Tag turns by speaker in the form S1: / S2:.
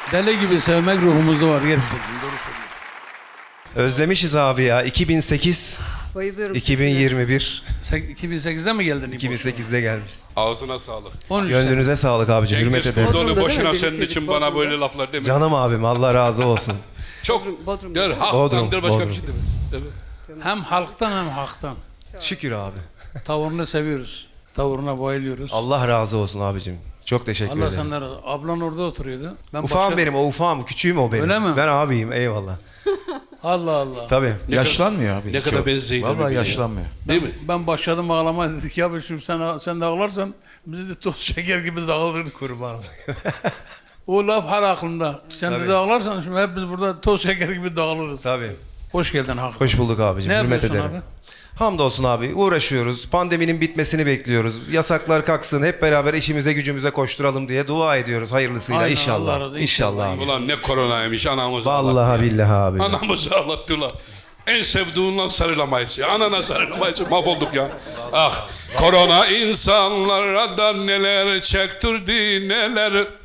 S1: Deli gibi sevmek ruhumuzda var gerçekten. Doğru söylüyorsun.
S2: Özlemişiz abi ya. 2008,
S3: Bayılıyorum
S2: 2021,
S1: 2008'de mi geldin?
S2: 2008'de gelmiş.
S4: Ağzına sağlık.
S1: 13
S2: Gönlünüze sağlık abicim. Hürmet
S4: Cengiz
S2: ederim.
S4: Kurdoğlu
S3: Bodrum'da
S4: boşuna
S3: değil mi?
S4: senin
S3: Birlikteydik
S4: için bana
S3: Bodrum'da.
S4: böyle laflar deme.
S2: Canım abim, Allah razı olsun.
S4: Çok.
S3: Bodrum.
S4: Der,
S2: Bodrum,
S4: halktandır başka bir şey
S2: Bodrum.
S4: demez. Evet.
S1: Hem halktan hem haktan.
S2: Şükür abi.
S1: Tavrını seviyoruz. Tavrına bayılıyoruz.
S2: Allah razı olsun abicim. Çok teşekkür
S1: Allah
S2: ederim.
S1: senden razı. Ablan orada oturuyordu. Ben
S2: Ufağım
S1: başka-
S2: benim, o ufağım. Küçüğüm o benim.
S1: Öyle mi?
S2: Ben abiyim, eyvallah.
S1: Allah Allah.
S2: Tabii.
S5: Yaşlanmıyor abi.
S4: Ne kadar benzeyin
S5: Vallahi
S4: birbirine ya.
S5: yaşlanmıyor.
S4: Değil mi?
S1: Ben başladım ağlamaya, dedik ya şimdi sen de ağlarsan biz de toz şeker gibi dağılırız.
S2: Kurban.
S1: O laf her aklımda. Sen
S2: Tabii.
S1: de ağlarsan şimdi hep biz burada toz şeker gibi dağılırız.
S2: Tabii.
S1: Hoş geldin Hakan.
S2: Hoş bulduk abicim.
S1: Ne
S2: Hürmet
S1: yapıyorsun
S2: ederim.
S1: abi?
S2: Hamdolsun abi. Uğraşıyoruz. Pandeminin bitmesini bekliyoruz. Yasaklar kalksın. Hep beraber işimize gücümüze koşturalım diye dua ediyoruz hayırlısıyla.
S1: Aynen,
S2: İnşallah.
S1: Allah razı-
S2: İnşallah abi.
S4: Ulan ne koronaymış anamızı
S2: Vallahi
S4: ağlattı ya.
S2: billahi abi.
S4: Anamızı ağlattılar. En sevdiğinden sarılamayız ya. Anana sarılamayız. Mahvolduk ya. Ah korona insanlara da neler çektirdi neler.